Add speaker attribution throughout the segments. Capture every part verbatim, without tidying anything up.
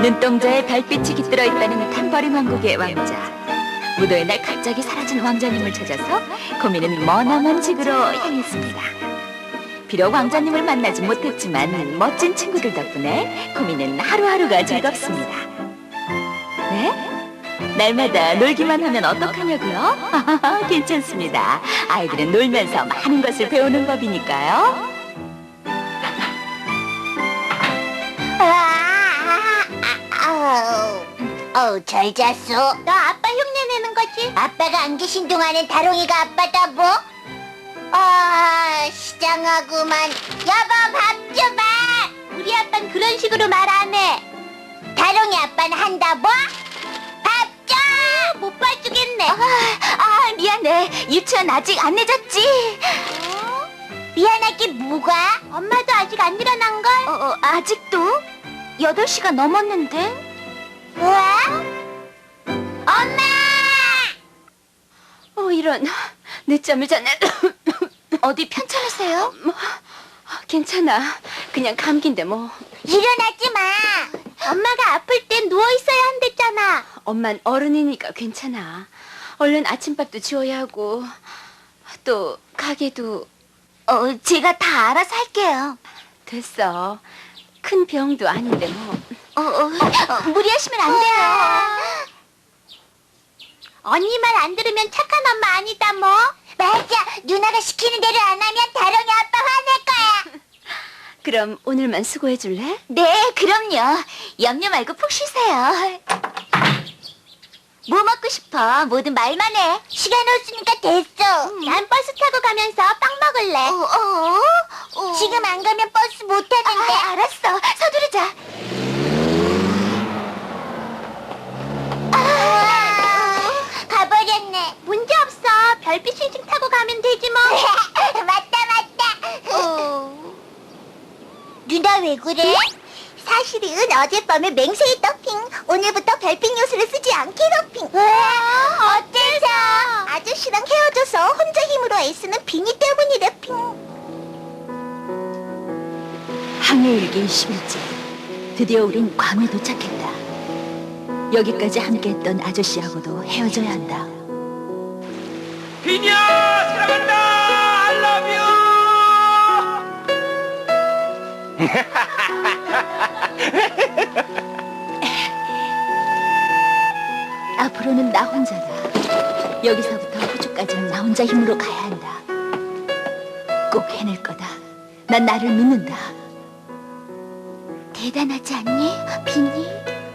Speaker 1: 눈동자에 별빛이 깃들어 있다는 탐버린 왕국의 왕자. 무도의 날 갑자기 사라진 왕자님을 찾아서 코미는 머나먼 지구로 향했습니다. 비록 왕자님을 만나지 못했지만 멋진 친구들 덕분에 코미는 하루하루가 즐겁습니다. 네? 날마다 놀기만 하면 어떡하냐고요? 괜찮습니다. 아이들은 놀면서 많은 것을 배우는 법이니까요.
Speaker 2: 어우, 잘 잤어. 너 아빠 흉내 내는 거지? 아빠가 안 계신 동안엔 다롱이가 아빠다 뭐? 아, 시장하구만. 여보, 밥 줘봐. 우리 아빠는 그런 식으로 말 안 해. 다롱이 아빠는 한다 뭐? 밥 줘! 못 봐주겠네.
Speaker 1: 아, 아 미안해. 유치원 아직 안 늦었지?
Speaker 2: 어? 미안하게 뭐가? 엄마도 아직 안 일어난걸?
Speaker 1: 어, 어, 아직도? 여덟 시가 넘었는데?
Speaker 2: 우와? 엄마!
Speaker 1: 어, 이런. 늦잠을 잤네. 어디 편찮으세요? 뭐, 괜찮아. 그냥 감기인데 뭐.
Speaker 2: 일어나지 마. 엄마가 아플 땐 누워있어야 한댔잖아.
Speaker 1: 엄만 어른이니까 괜찮아. 얼른 아침밥도 지어야 하고 또 가게도.
Speaker 2: 어, 제가 다 알아서 할게요.
Speaker 1: 됐어. 큰 병도 아닌데 뭐.
Speaker 2: 어, 어, 어, 무리하시면 안 돼요. 언니 말 안 들으면 착한 엄마 아니다 뭐. 맞아. 누나가 시키는 대로 안 하면 다롱이 아빠 화낼 거야.
Speaker 1: 그럼 오늘만 수고해 줄래?
Speaker 2: 네, 그럼요. 염려 말고 푹 쉬세요. 뭐 먹고 싶어? 뭐든 말만 해. 시간 없으니까 됐어. 음. 난 버스 타고 가면서 빵 먹을래. 어, 어, 어. 지금 안 가면 버스 못 타는데. 아, 알았어. 서두르자. 아, 가버렸네. 문제 없어. 별빛 싱싱 타고 가면 되지 뭐. 맞다, 맞다. 어. 누나 왜 그래? 사실은 어젯밤에 맹세히 더핑. 오늘부터 별빛 요술을 쓰지 않기로 핑. 어째서? 아저씨랑 헤어져서 혼자 힘으로 애쓰는 빙의 때문이래 핑.
Speaker 1: 항해일기 이십 일째. 드디어 우린 괌에 도착했다. 여기까지 함께했던 아저씨하고도 헤어져야 한다.
Speaker 3: 비니야 사랑한다 I love you.
Speaker 1: 앞으로는 나 혼자다. 여기서부터 호주까지는 나 혼자 힘으로 가야 한다. 꼭 해낼 거다. 난 나를 믿는다.
Speaker 2: 대단하지 않니, 비니?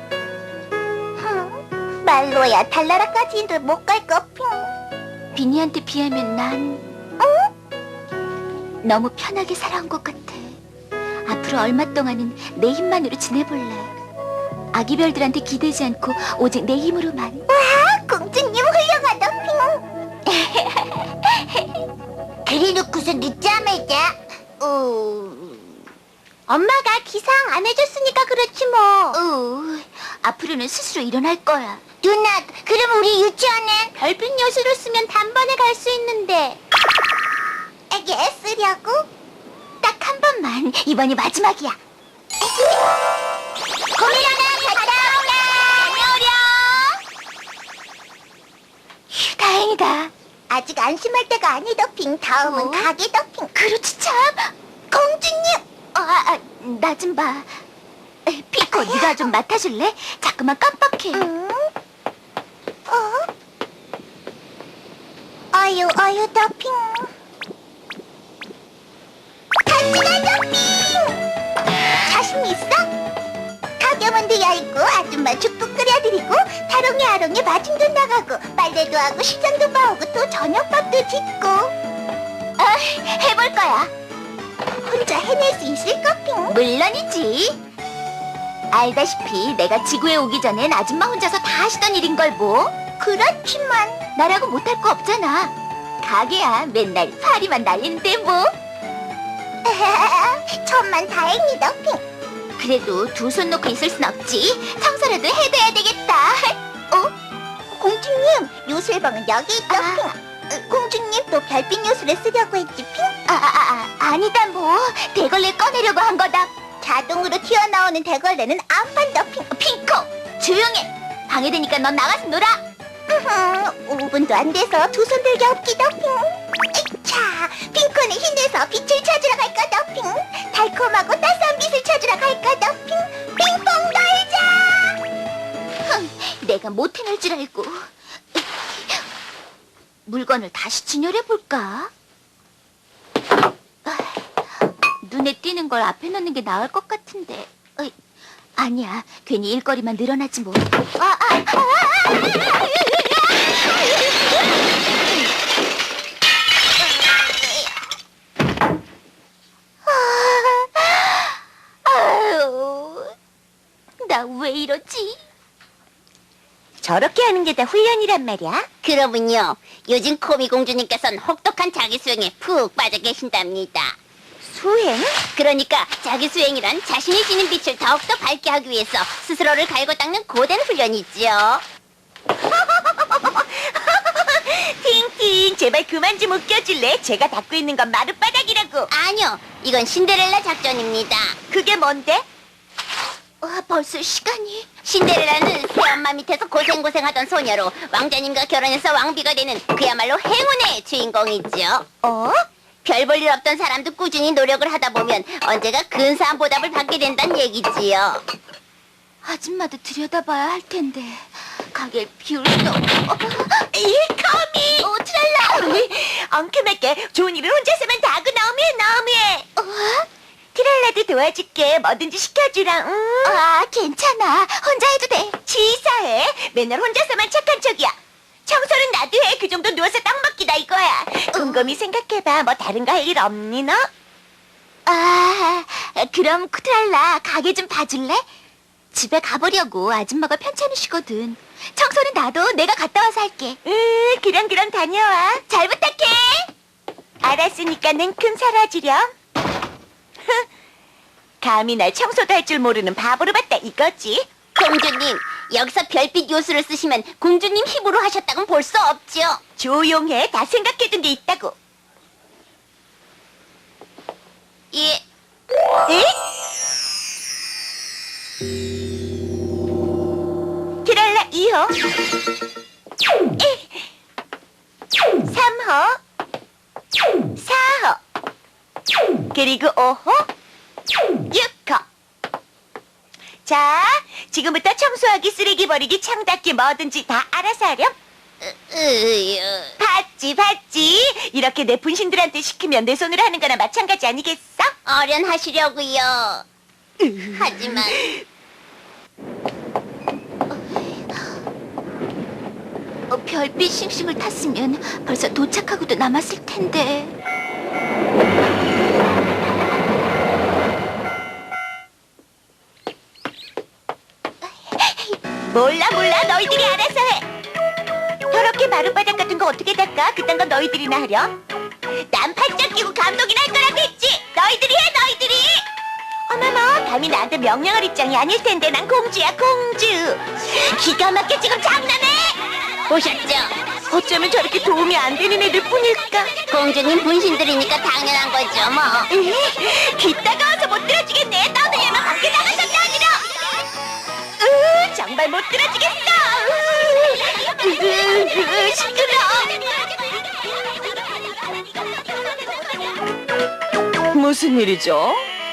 Speaker 2: 말로야 달나라까지는 못 갈 거 핑.
Speaker 1: 비니한테 비하면 난
Speaker 2: 응?
Speaker 1: 너무 편하게 살아온 것 같아. 앞으로 얼마 동안은 내 힘만으로 지내볼래. 아기별들한테 기대지 않고 오직 내 힘으로만.
Speaker 2: 와, 공주님 훌륭하다 핑. 그래놓고서 늦잠을 자. 어... 엄마가 기상 안 해줬으니까 그렇지 뭐.
Speaker 1: 어, 앞으로는 스스로 일어날 거야.
Speaker 2: 누나, 그럼 우리 유치원엔 별빛 요술을 쓰면 단번에 갈 수 있는데. 애기 쓰려고?
Speaker 1: 딱 한 번만. 이번이 마지막이야.
Speaker 2: 고민하나 갔다 오라.
Speaker 1: 휴, 다행이다.
Speaker 2: 아직 안심할 때가 아니다 핑. 다음은
Speaker 1: 어?
Speaker 2: 가게다 핑.
Speaker 1: 그렇지 참.
Speaker 2: 공주님.
Speaker 1: 아, 아, 나 좀 봐. 에, 피코, 네가 좀 맡아줄래? 자꾸만 깜빡해.
Speaker 2: 응? 어? 어유 어유 더핑. 간지나 더핑. 자신 있어? 가게문도 열고 아줌마 죽도 끓여드리고 다롱이 아롱이 마중도 나가고 빨래도 하고 시장도 봐오고 또 저녁밥도 짓고.
Speaker 1: 아, 해볼 거야.
Speaker 2: 혼자 해낼 수 있을까 핑?
Speaker 1: 물론이지. 알다시피 내가 지구에 오기 전엔 아줌마 혼자서 다 하시던 일인걸 뭐.
Speaker 2: 그렇지만
Speaker 1: 나라고 못할 거 없잖아. 가게야 맨날 파리만 날리는데 뭐.
Speaker 2: 천만 다행이다 핑.
Speaker 1: 그래도 두 손 놓고 있을 순 없지. 청소라도 해둬야 되겠다.
Speaker 2: 어? 공주님, 요술방은 여기 있다
Speaker 1: 아.
Speaker 2: 핑. 어, 공주님 또 별빛 요술을 쓰려고 했지 핑.
Speaker 1: 아, 아, 아, 아니다 뭐. 대걸레 꺼내려고 한 거다.
Speaker 2: 자동으로 튀어나오는 대걸레는 안 판다 핑.
Speaker 1: 핑,
Speaker 2: 조용해. 방해되니까 넌 나가서 놀아. 오 분도 안 돼서 두 손 들기 없기도 핑. 자, 핑크는 힘내서 빛을 찾으러 갈 거다 핑. 달콤하고 따스한 빛을 찾으러 갈 거다 핑. 핑퐁 놀자. 흥, 내가 못해낼 줄 알고. 물건을 다시 진열해 볼까? 눈에 띄는 걸 앞에 놓는 게 나을 것 같은데. 어이, 아니야, 괜히 일거리만 늘어나지 뭐. 아, 아, 아, 아, 아, 나 왜 이러지? 저렇게 하는 게 다 훈련이란 말이야?
Speaker 4: 그러군요. 요즘 코미 공주님께서는 혹독한 자기 수행에 푹 빠져 계신답니다.
Speaker 2: 수행?
Speaker 4: 그러니까 자기 수행이란 자신이 지닌 빛을 더욱더 밝게 하기 위해서 스스로를 갈고 닦는 고된 훈련이지요.
Speaker 2: 팅팅, 제발 그만 좀 웃겨줄래? 제가 닦고 있는 건 마룻바닥이라고.
Speaker 4: 아니요, 이건 신데렐라 작전입니다.
Speaker 2: 그게 뭔데? 어, 벌써 시간이.
Speaker 4: 신데렐라는 새엄마 밑에서 고생고생하던 소녀로 왕자님과 결혼해서 왕비가 되는 그야말로 행운의 주인공이죠.
Speaker 2: 어?
Speaker 4: 별 볼 일 없던 사람도 꾸준히 노력을 하다 보면 언제가 근사한 보답을 받게 된다는 얘기지요.
Speaker 1: 아줌마도 들여다봐야 할 텐데 가게를 비울 수 없고.
Speaker 2: 이 커미! 오, 트랄라! 엉큼하게 좋은 일을 혼자서만 다 하고 너무해, 너무해. 어? 트랄라도 도와줄게. 뭐든지 시켜주라. 응? 아, 괜찮아. 혼자 해도 돼. 치사해. 맨날 혼자서만 착한 척이야. 청소는 나도 해. 그 정도 누워서 떡 먹기다 이거야. 곰곰이 생각해봐. 뭐 다른 거 할 일 없니 너? 아, 그럼 트랄라 가게 좀 봐줄래? 집에 가보려고. 아줌마가 편찮으시거든. 청소는 나도 내가 갔다 와서 할게. 응, 그럼 그럼 다녀와. 잘 부탁해. 알았으니까 냉큼 살아주렴. 감히 날 청소도 할 줄 모르는 바보로 봤다 이거지.
Speaker 4: 공주님, 여기서 별빛 요술을 쓰시면 공주님 힘으로 하셨다곤 볼 수 없죠.
Speaker 2: 조용해. 다 생각해둔 게 있다고.
Speaker 4: 예,
Speaker 2: 에? 트랄라 이 호 삼 호 사 호 그리고 오 호 육 호. 자, 지금부터 청소하기, 쓰레기 버리기, 창 닦기 뭐든지 다 알아서 하렴.
Speaker 4: 으,
Speaker 2: 봤지 봤지. 이렇게 내 분신들한테 시키면 내 손으로 하는 거나 마찬가지 아니겠어?
Speaker 4: 어련하시려고요. 하지만
Speaker 1: 어, 별빛 싱싱을 탔으면 벌써 도착하고도 남았을 텐데.
Speaker 2: 몰라 몰라. 너희들이 알아서 해. 더럽게 마룻바닥 같은 거 어떻게 닦아? 그딴 건 너희들이나 하렴. 난 팔짱 끼고 감독이나 할 거라고 했지. 너희들이 해 너희들이. 어머머, 감히 나한테 명령할 입장이 아닐 텐데. 난 공주야 공주. 기가 막혀. 지금 장난해?
Speaker 4: 보셨죠?
Speaker 2: 어쩌면 저렇게 도움이 안 되는 애들 뿐일까?
Speaker 4: 공주님 분신들이니까 당연한 거죠, 뭐.
Speaker 2: 으, 귀 따가워서 못 들어주겠네. 떠들려면 밖에 나가서 떠들어. 으, 정말 못 들어주겠어. 으, 으, 으, 시끄러.
Speaker 5: 무슨 일이죠?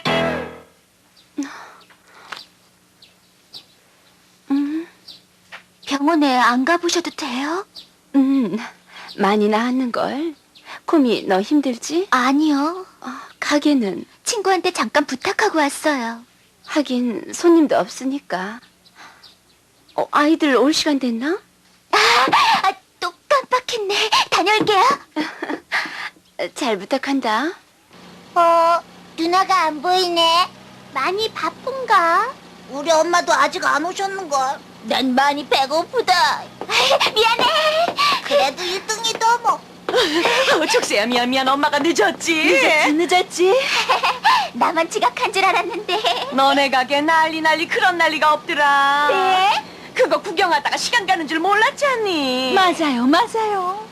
Speaker 1: 병원에 안 가보셔도 돼요?
Speaker 5: 음, 많이 나았는걸. 코미, 너 힘들지?
Speaker 1: 아니요.
Speaker 5: 어, 가게는?
Speaker 1: 친구한테 잠깐 부탁하고 왔어요.
Speaker 5: 하긴 손님도 없으니까. 어, 아이들 올 시간 됐나?
Speaker 1: 아, 또 깜빡했네. 다녀올게요.
Speaker 5: 잘 부탁한다.
Speaker 2: 어, 누나가 안 보이네. 많이 바쁜가? 우리 엄마도 아직 안 오셨는걸.
Speaker 4: 난 많이 배고프다.
Speaker 2: 미안해. 그래도 일 등이다 뭐.
Speaker 5: 어, 촉새야, 미안, 미안. 엄마가 늦었지?
Speaker 1: 늦었지, 늦었지. 나만 지각한 줄 알았는데.
Speaker 5: 너네 가게 난리 난리 그런 난리가 없더라.
Speaker 1: 네?
Speaker 5: 그거 구경하다가 시간 가는 줄 몰랐잖니.
Speaker 1: 맞아요, 맞아요.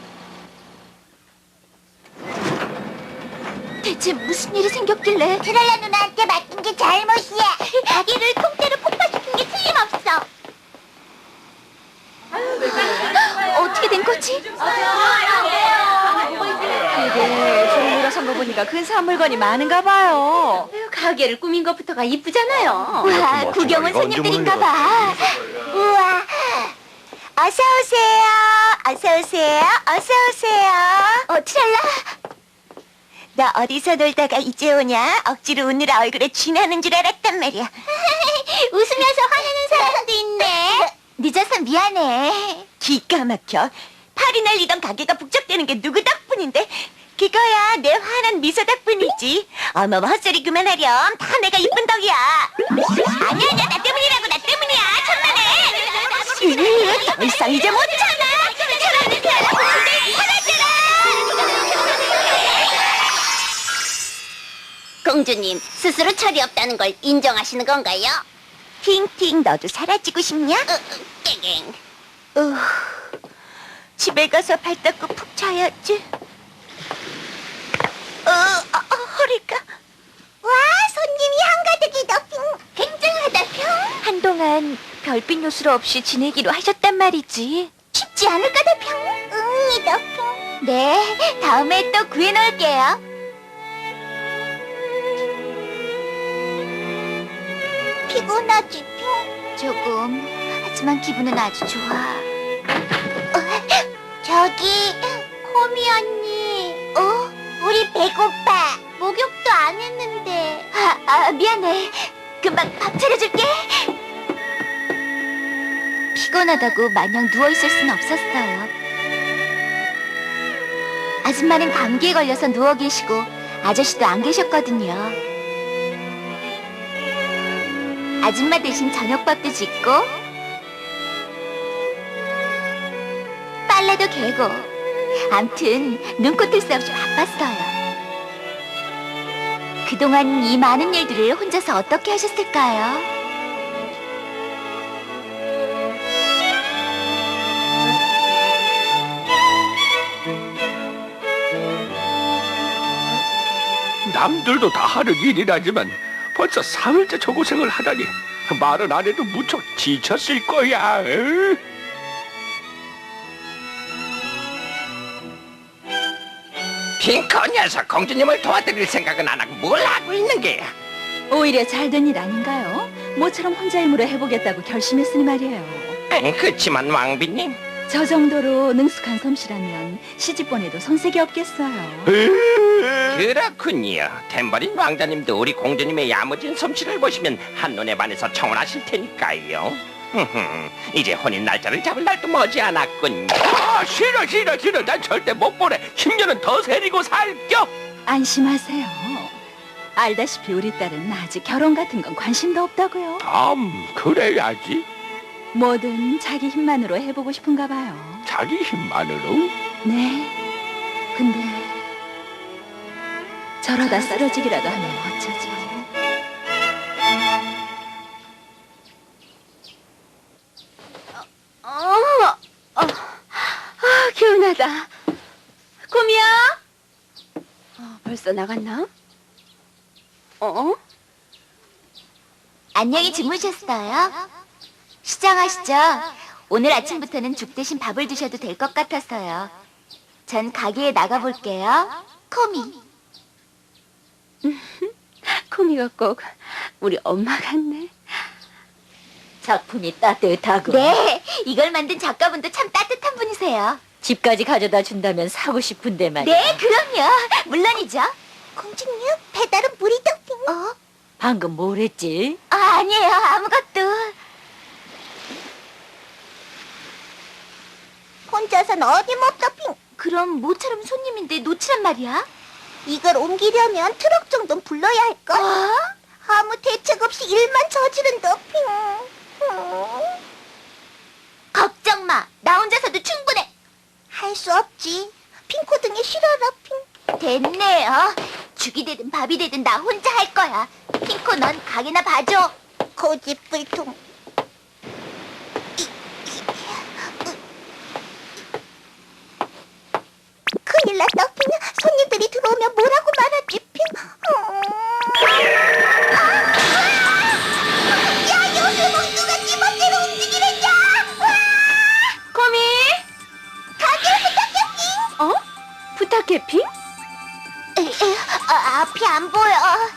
Speaker 1: 대체 무슨 일이 생겼길래?
Speaker 2: 트랄라 누나한테 맡긴 게 잘못이야. 가게를 통째로 폭파시킨 게 틀림없어.
Speaker 1: 거지?
Speaker 5: 그게 저를 물어선 거 보니까 근사한 물건이 많은가 봐요. 가게를 꾸민 것부터가 이쁘잖아요.
Speaker 1: 와, 구경은 손님들인가 봐.
Speaker 2: 우와. 어서 오세요. 어서 오세요. 어서 오세요.
Speaker 1: 어, 트랄라.
Speaker 2: 너 어디서 놀다가 이제 오냐? 억지로 오느라 얼굴에 쥐나는 줄 알았단 말이야. 웃으면서 화내는 사람도 있네. 늦어서 미안해. 기가 막혀. 팔이 날리던 가게가 북적대는 게 누구 덕분인데? 그거야 내 환한 미소 덕분이지. 어머 헛소리 그만하렴. 다 내가 이쁜 덕이야. 아니야 아니야 나 때문이라고 나 때문이야. 천만에. 더 이상 이제 못 참아. 사람들 알아보는데 사라져라.
Speaker 4: 공주님, 스스로 철이 없다는 걸 인정하시는 건가요?
Speaker 2: 팅팅 너도 사라지고 싶냐?
Speaker 4: 으, 으, 깽깽.
Speaker 2: 어, 집에 가서 발 닦고 푹 자야지. 어, 어, 어, 허리가. 와, 손님이 한가득이다, 핑. 굉장하다, 핑.
Speaker 1: 한동안 별빛 요술 없이 지내기로 하셨단 말이지.
Speaker 2: 쉽지 않을 거다, 핑. 응이다, 핑. 네, 다음에 또 구해놓을게요. 피곤하지, 핑?
Speaker 1: 조금. 하지만 기분은 아주 좋아.
Speaker 2: 저기, 코미 언니. 어? 우리 배고파. 목욕도 안 했는데.
Speaker 1: 아, 아, 미안해. 금방 밥 차려줄게. 피곤하다고 마냥 누워있을 순 없었어요. 아줌마는 감기에 걸려서 누워 계시고 아저씨도 안 계셨거든요. 아줌마 대신 저녁밥도 짓고 빨래도 개고 암튼 눈꽃을 새 없이 바빴어요. 그동안 이 많은 일들을 혼자서 어떻게 하셨을까요?
Speaker 3: 남들도 다 하는 일이라지만 벌써 사흘째 저 고생을 하다니 말은 안 해도 무척 지쳤을 거야. 응? 핑크 녀석, 공주님을 도와드릴 생각은 안 하고 뭘 하고 있는 게야?
Speaker 5: 오히려 잘된 일 아닌가요? 모처럼 혼자 힘으로 해보겠다고 결심했으니 말이에요.
Speaker 3: 응, 그치만 왕비님.
Speaker 5: 저 정도로 능숙한 솜씨라면 시집보내도 손색이 없겠어요.
Speaker 3: 그렇군요. 탬버린 왕자님도 우리 공주님의 야무진 솜씨를 보시면 한눈에 반해서 청혼하실 테니까요. 흠흠, 이제 혼인 날짜를 잡을 날도 머지않았군요. 아, 싫어 싫어 싫어. 난 절대 못 보내. 십 년은 더 세리고 살겨.
Speaker 5: 안심하세요. 알다시피 우리 딸은 아직 결혼 같은 건 관심도 없다고요.
Speaker 3: 음, 그래야지.
Speaker 5: 뭐든 자기 힘만으로 해보고 싶은가 봐요.
Speaker 3: 자기 힘만으로?
Speaker 5: 네. 근데 저러다 쓰러지기라도 하면 어쩌죠? 어, 어, 아, 개운하다. 곰이야? 어, 벌써 나갔나? 어?
Speaker 1: 안녕히 주무셨어요? 시장하시죠? 오늘 아침부터는 죽 대신 밥을 드셔도 될 것 같아서요. 전 가게에 나가볼게요. 코미.
Speaker 5: 코미가 꼭 우리 엄마 같네.
Speaker 1: 작품이 따뜻하고. 네, 이걸 만든 작가분도 참 따뜻한 분이세요. 집까지 가져다 준다면 사고 싶은데 말이야. 네, 그럼요. 물론이죠.
Speaker 2: 공주님, 배달은 물이 덕빙.
Speaker 1: 어? 방금 뭘 했지? 아, 아니에요. 아무것도.
Speaker 2: 혼자선 어림없다, 핑.
Speaker 1: 그럼 모처럼 손님인데 놓치란 말이야?
Speaker 2: 이걸 옮기려면 트럭 정도는 불러야 할걸?
Speaker 1: 어?
Speaker 2: 아무 대책 없이 일만 저지른다, 핑. 음.
Speaker 1: 걱정 마. 나 혼자서도 충분해.
Speaker 2: 할 수 없지. 핑코등에 실어라, 핑.
Speaker 1: 됐네요. 죽이 되든 밥이 되든 나 혼자 할 거야. 핑코 넌 가게나 봐줘.
Speaker 2: 고집불통. 큰일 났다, 핑. 손님들이 들어오면 뭐라고 말하지, 핑. 음. 야, 요새 뭐 누가 지 멋대로 움직이랬냐?
Speaker 1: 코미?
Speaker 2: 가게 앞이 안 보여.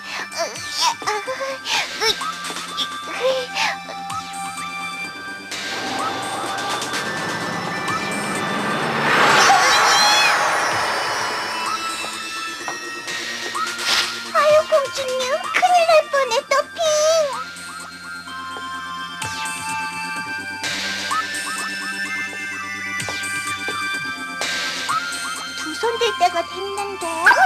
Speaker 2: 아유, 공주님, 큰일 날 뻔했다, 핑. 두 손 들 때가 됐는데.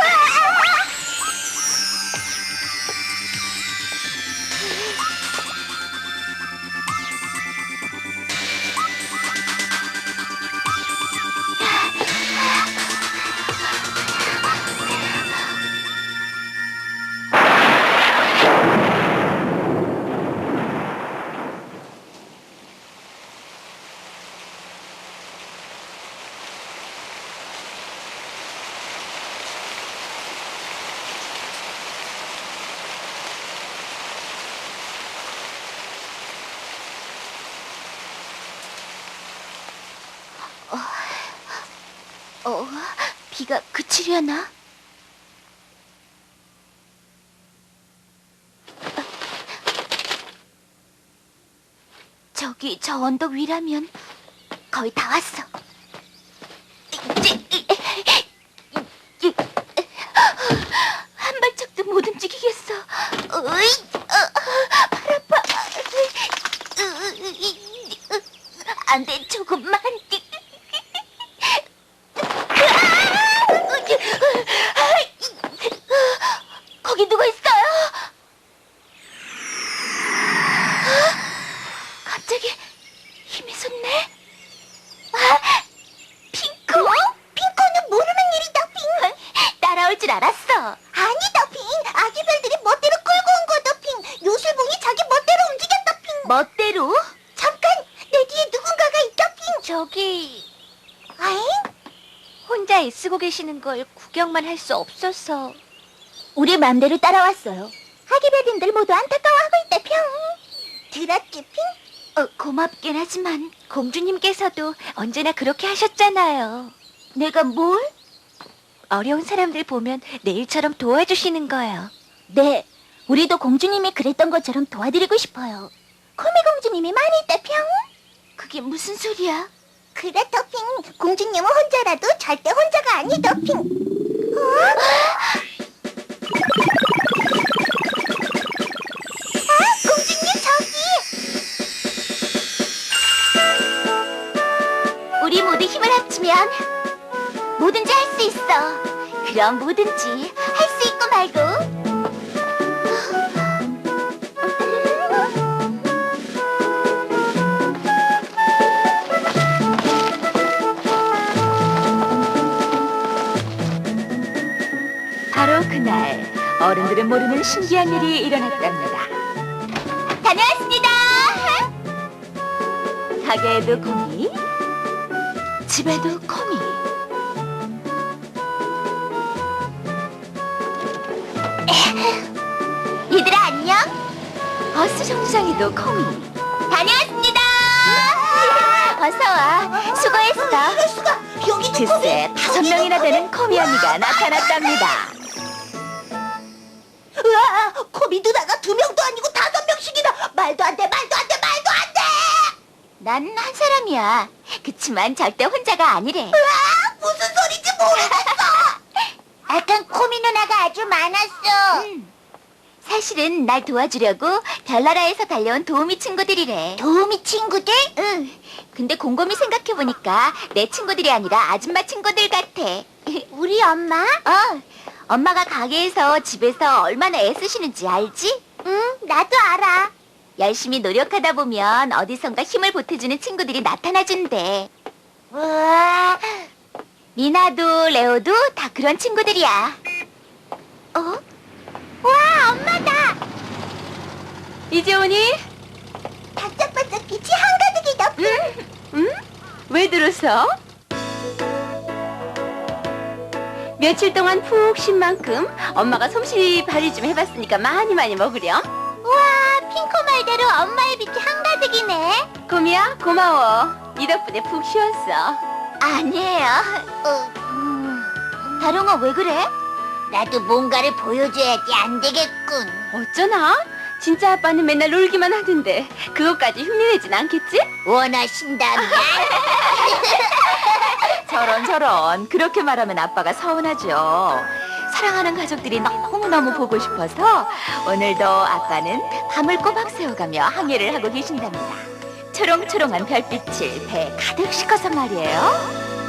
Speaker 2: 어, 비가 그치려나? 저기 저 언덕 위라면 거의 다 왔어. 한 발짝도 못 움직이겠어. 으이, 어, 팔 아파. 안 돼, 조금만. 거기 누가 있어요? 갑자기 힘이 솟네. 아, 핑크? 핑크는 모르는 일이다, 핑. 따라올 줄 알았어. 아니다, 핑. 아기별들이 멋대로 끌고 온 거다, 핑. 요술봉이 자기 멋대로 움직였다, 핑. 멋대로? 잠깐, 내 뒤에 누군가가 있다, 핑. 저기... 아잉? 혼자 애쓰고 계시는 걸 구경만 할 수 없어서 우리 맘대로 따라왔어요. 하기별님들 모두 안타까워하고 있다, 평. 들었지, 핑? 어, 고맙긴 하지만 공주님께서도 언제나 그렇게 하셨잖아요. 내가 뭘? 어려운 사람들 보면 내일처럼 도와주시는 거예요. 네, 우리도 공주님이 그랬던 것처럼 도와드리고 싶어요. 코미 공주님이 많이 있다, 평. 그게 무슨 소리야? 그렇다, 핑. 공주님은 혼자라도 절대 혼자가 아니다, 핑. 어? 아, 공주님 저기. 우리 모두 힘을 합치면 뭐든지 할 수 있어. 그럼 뭐든지 할 수 있고 말고.
Speaker 1: 바로 그날 어른들은 모르는 신기한 일이 일어났답니다.
Speaker 2: 다녀왔습니다.
Speaker 1: 가게에도 코미, 집에도 코미.
Speaker 2: 얘들아, 안녕.
Speaker 1: 버스 정류장에도 코미.
Speaker 2: 다녀왔습니다.
Speaker 1: 어서 와. 수고했어.
Speaker 2: 이럴 수가. 여기도
Speaker 1: 글쎄, 다섯 명이나 되는 코미 언니가 나타났답니다.
Speaker 2: 으아, 코미 누나가 두 명도 아니고 다섯 명씩이나. 말도 안 돼, 말도 안 돼, 말도 안 돼.
Speaker 1: 난 한 사람이야. 그치만 절대 혼자가 아니래.
Speaker 2: 으아, 무슨 소리인지 모르겠어. 아깐 코미 누나가 아주 많았어.
Speaker 1: 음. 사실은 날 도와주려고 별나라에서 달려온 도우미 친구들이래.
Speaker 2: 도우미 친구들?
Speaker 1: 응. 근데 곰곰이 생각해보니까 내 친구들이 아니라 아줌마 친구들 같아.
Speaker 2: 우리 엄마?
Speaker 1: 어. 엄마가 가게에서 집에서 얼마나 애쓰시는지 알지?
Speaker 2: 응, 나도 알아.
Speaker 1: 열심히 노력하다 보면 어디선가 힘을 보태주는 친구들이 나타나준대.
Speaker 2: 우와.
Speaker 1: 미나도 레오도 다 그런 친구들이야.
Speaker 2: 어? 와, 엄마다.
Speaker 5: 이제 오니?
Speaker 2: 반짝반짝 빛이 한가득이다.
Speaker 5: 응? 응? 왜 들었어? 며칠 동안 푹 쉰 만큼 엄마가 솜씨 발휘 좀 해봤으니까 많이 많이 먹으렴.
Speaker 2: 우와, 핑크 말대로 엄마의 빛이 한가득이네.
Speaker 5: 고미야, 고마워. 이 덕분에 푹 쉬었어.
Speaker 1: 아니에요.
Speaker 2: 어,
Speaker 1: 음, 다롱아 왜 그래?
Speaker 2: 나도 뭔가를 보여줘야지 안 되겠군.
Speaker 5: 어쩌나? 진짜 아빠는 맨날 놀기만 하던데 그것까지 흉내내진 않겠지?
Speaker 2: 원하신다면.
Speaker 1: 저런 저런 그렇게 말하면 아빠가 서운하죠. 사랑하는 가족들이 너무너무 보고 싶어서 오늘도 아빠는 밤을 꼬박 새워가며 항해를 하고 계신답니다. 초롱초롱한 별빛을 배에 가득 싣고서 말이에요.